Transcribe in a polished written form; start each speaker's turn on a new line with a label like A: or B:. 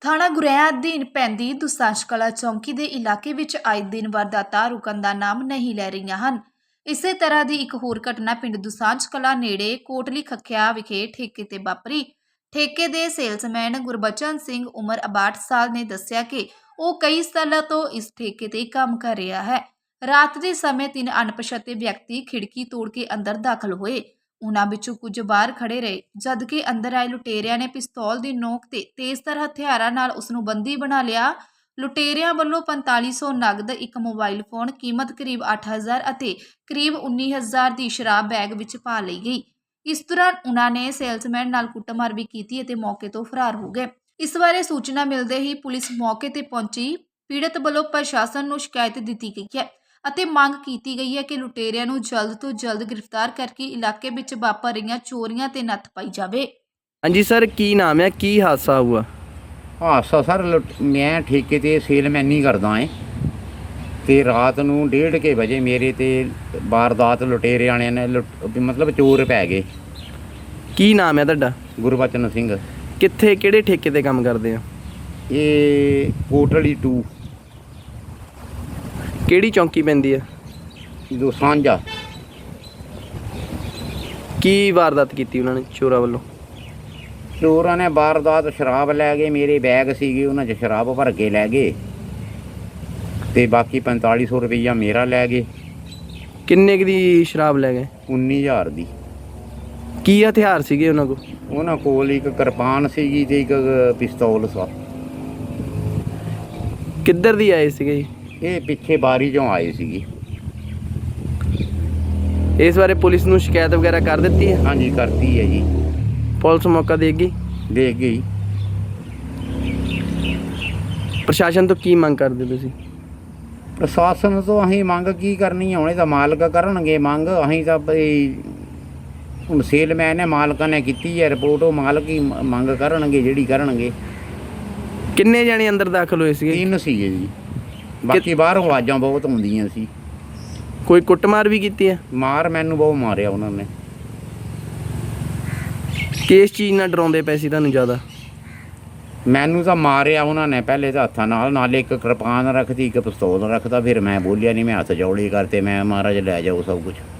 A: ਥਾਣਾ ਗੁਰੇਆ ਅਧੀਨ ਪੈਂਦੀ ਦੁਸਾਂਝ ਕਲਾਂ ਚੌਂਕੀ ਦੇ ਇਲਾਕੇ ਵਿੱਚ ਆਏ ਦਿਨ ਵਾਰਦਾਤਾਂ ਰੁਕਣ ਦਾ ਨਾਮ ਨਹੀਂ ਲੈ ਰਹੀਆਂ ਹਨ। ਇਸੇ ਤਰ੍ਹਾਂ ਦੀ ਇੱਕ ਹੋਰ ਘਟਨਾ ਪਿੰਡ ਦੁਸਾਂਝ ਕਲਾਂ ਨੇੜੇ ਕੋਟਲੀ ਖੱਖਿਆ ਵਿਖੇ ਠੇਕੇ ਤੇ ਵਾਪਰੀ। ਠੇਕੇ ਦੇ ਸੇਲਸਮੈਨ ਗੁਰਬਚਨ ਸਿੰਘ ਉਮਰ 62 ਸਾਲ ਨੇ ਦੱਸਿਆ ਕਿ ਉਹ ਕਈ ਸਾਲਾਂ ਤੋਂ ਇਸ ਠੇਕੇ ਤੇ ਕੰਮ ਕਰ ਰਿਹਾ ਹੈ। ਰਾਤ ਦੇ ਸਮੇਂ 3 ਅਣਪਛਾਤੇ ਵਿਅਕਤੀ ਖਿੜਕੀ ਤੋੜ ਕੇ ਅੰਦਰ ਦਾਖਲ ਹੋਏ। ਉਨ੍ਹਾਂ ਵਿੱਚੋਂ ਕੁਝ ਬਾਹਰ ਖੜੇ ਰਹੇ, ਜਦਕਿ ਅੰਦਰ ਆਏ ਲੁਟੇਰਿਆਂ ਨੇ ਪਿਸਤੌਲ ਦੀ ਨੋਕ ਤੇ ਤੇਜ਼ਧਾਰ ਹਥਿਆਰਾਂ ਨਾਲ ਉਸ ਨੂੰ ਬੰਦੀ ਬਣਾ ਲਿਆ। ਲੁਟੇਰਿਆਂ ਵੱਲੋਂ 4500 ਨਗਦ, ਇੱਕ ਮੋਬਾਈਲ ਫੋਨ ਕੀਮਤ ਕਰੀਬ 8000 ਅਤੇ ਕਰੀਬ 19000 ਦੀ ਸ਼ਰਾਬ ਬੈਗ ਵਿੱਚ ਪਾ ਲਈ ਗਈ। ਇਸ ਦੌਰਾਨ ਉਨ੍ਹਾਂ ਨੇ ਸੇਲਸਮੈਨ ਨਾਲ ਕੁੱਟਮਾਰ ਵੀ ਕੀਤੀ ਅਤੇ ਮੌਕੇ ਤੋਂ ਫਰਾਰ ਹੋ ਗਏ। ਇਸ ਬਾਰੇ ਸੂਚਨਾ ਮਿਲਦੇ ਹੀ ਪੁਲਿਸ ਮੌਕੇ ਤੇ ਪਹੁੰਚੀ। ਪੀੜਤ ਵੱਲੋਂ ਪ੍ਰਸ਼ਾਸਨ ਨੂੰ ਸ਼ਿਕਾਇਤ ਦਿੱਤੀ ਗਈ ਹੈ ਅਤੇ ਮੰਗ ਕੀਤੀ ਗਈ ਹੈ ਕਿ ਲੁਟੇਰਿਆਂ ਨੂੰ ਜਲਦ ਤੋਂ ਜਲਦ ਗ੍ਰਿਫਤਾਰ ਕਰਕੇ ਇਲਾਕੇ ਵਿੱਚ ਵਾਪਰ ਰਹੀਆਂ ਚੋਰੀਆਂ ਤੇ ਨੱਥ ਪਾਈ ਜਾਵੇ।
B: ਹਾਂਜੀ ਸਰ, ਕੀ ਨਾਮ ਹੈ, ਕੀ ਹਾਦਸਾ ਹੁਆ?
C: ਹਾਦਸਾ ਸਰ ਮੈਂ ਠੇਕੇ ਤੇ ਸੇਲਮੈਨੀ ਕਰਦਾ ਏ ਤੇ ਰਾਤ ਨੂੰ 1:30 ਵਜੇ ਮੇਰੇ ਤੇ ਵਾਰਦਾਤ ਲੁਟੇਰੇ ਵਾਲਿਆਂ ਨੇ ਮਤਲਬ ਚੋਰ ਪੈ ਗਏ।
B: ਕੀ ਨਾਮ ਹੈ ਤੁਹਾਡਾ?
C: ਗੁਰਬਚਨ ਸਿੰਘ।
B: ਕਿੱਥੇ, ਕਿਹੜੇ ਠੇਕੇ ਤੇ ਕੰਮ ਕਰਦੇ ਆ?
C: ਇਹ ਕੋਟਲੀ 2
B: ਕਿਹੜੀ ਚੌਂਕੀ ਪੈਂਦੀ ਆ?
C: ਦੁਸਾਂਝਾ।
B: ਕੀ ਵਾਰਦਾਤ ਕੀਤੀ ਉਹਨਾਂ ਨੇ ਚੋਰਾਂ ਵੱਲੋਂ?
C: ਚੋਰਾਂ ਨੇ ਵਾਰਦਾਤ ਸ਼ਰਾਬ ਲੈ ਗਏ, ਮੇਰੇ ਬੈਗ ਸੀਗੇ ਉਹਨਾਂ 'ਚ ਸ਼ਰਾਬ ਭਰ ਕੇ ਲੈ ਗਏ ਤੇ ਬਾਕੀ 4500 ਰੁਪਈਆ ਮੇਰਾ ਲੈ ਗਏ।
B: ਕਿੰਨੇ ਕੁ ਦੀ ਸ਼ਰਾਬ ਲੈ ਗਏ?
C: 19000 ਦੀ।
B: ਕੀ ਹਥਿਆਰ ਸੀਗੇ ਉਹਨਾਂ ਕੋਲ?
C: ਉਹਨਾਂ ਕੋਲ ਇੱਕ ਕਿਰਪਾਨ ਸੀਗੀ ਤੇ ਇੱਕ ਪਿਸਤੌਲ ਸੀ।
B: ਕਿੱਧਰ ਦੀ ਆਏ ਸੀਗੇ ਜੀ?
C: ਇਹ ਪਿੱਛੇ ਬਾਰੀ 'ਚੋਂ ਆਏ ਸੀਗੇ।
B: ਇਸ ਬਾਰੇ ਪੁਲਿਸ ਨੂੰ ਸ਼ਿਕਾਇਤ ਵਗੈਰਾ ਕਰ ਦਿੱਤੀ ਹੈ?
C: ਹਾਂਜੀ ਕਰਤੀ ਹੈ ਜੀ।
B: ਪੁਲਿਸ ਮੌਕਾ ਦੇਗੀ?
C: ਦੇਖ ਗਈ।
B: ਪ੍ਰਸ਼ਾਸਨ ਤੋਂ ਕੀ ਮੰਗ ਕਰਦੇ ਤੁਸੀਂ?
C: ਪ੍ਰਸ਼ਾਸਨ ਤੋਂ ਅਸੀਂ ਮੰਗ ਕੀ ਕਰਨੀ, ਹੁਣੇ ਤਾਂ ਮਾਲਕ ਕਰਨਗੇ ਮੰਗ। ਅਸੀਂ ਤਾਂ ਬਈ ਹੁਣ ਸੇਲਮੈਨ ਨੇ ਮਾਲਕਾਂ ਨੇ ਕੀਤੀ ਹੈ ਰਿਪੋਰਟ, ਉਹ ਮਾਲਕ ਹੀ ਮੰਗ ਕਰਨਗੇ ਜਿਹੜੀ ਕਰਨਗੇ।
B: ਕਿੰਨੇ ਜਾਣੇ ਅੰਦਰ ਦਾਖਲ ਹੋਏ ਸੀਗੇ?
C: 3 ਸੀਗੇ ਜੀ, ਬਾਕੀ ਬਾਹਰ ਆਵਾਜ਼ਾਂ ਬਹੁਤ ਆਉਂਦੀਆਂ ਸੀ।
B: ਕੋਈ ਕੁੱਟਮਾਰ ਵੀ ਕੀਤੀ ਹੈ?
C: ਮਾਰ ਮੈਨੂੰ ਬਹੁਤ ਮਾਰਿਆ ਉਹਨਾਂ ਨੇ।
B: ਕਿਸ ਚੀਜ਼ ਨਾਲ ਡਰਾਉਂਦੇ ਪਏ ਸੀ ਤੁਹਾਨੂੰ ਜ਼ਿਆਦਾ?
C: ਮੈਨੂੰ ਤਾਂ ਮਾਰਿਆ ਉਹਨਾਂ ਨੇ ਪਹਿਲੇ ਤਾਂ ਹੱਥਾਂ ਨਾਲ ਇੱਕ ਕਿਰਪਾਨ ਰੱਖਦੀ, ਇੱਕ ਪਿਸਤੌਲ ਰੱਖਦਾ। ਫਿਰ ਮੈਂ ਬੋਲਿਆ ਨਹੀਂ, ਮੈਂ ਹੱਥ ਜੋੜੇ ਕਰਤੇ, ਮੈਂ ਮਹਾਰਾਜ ਲੈ ਜਾਓ ਸਭ ਕੁਝ।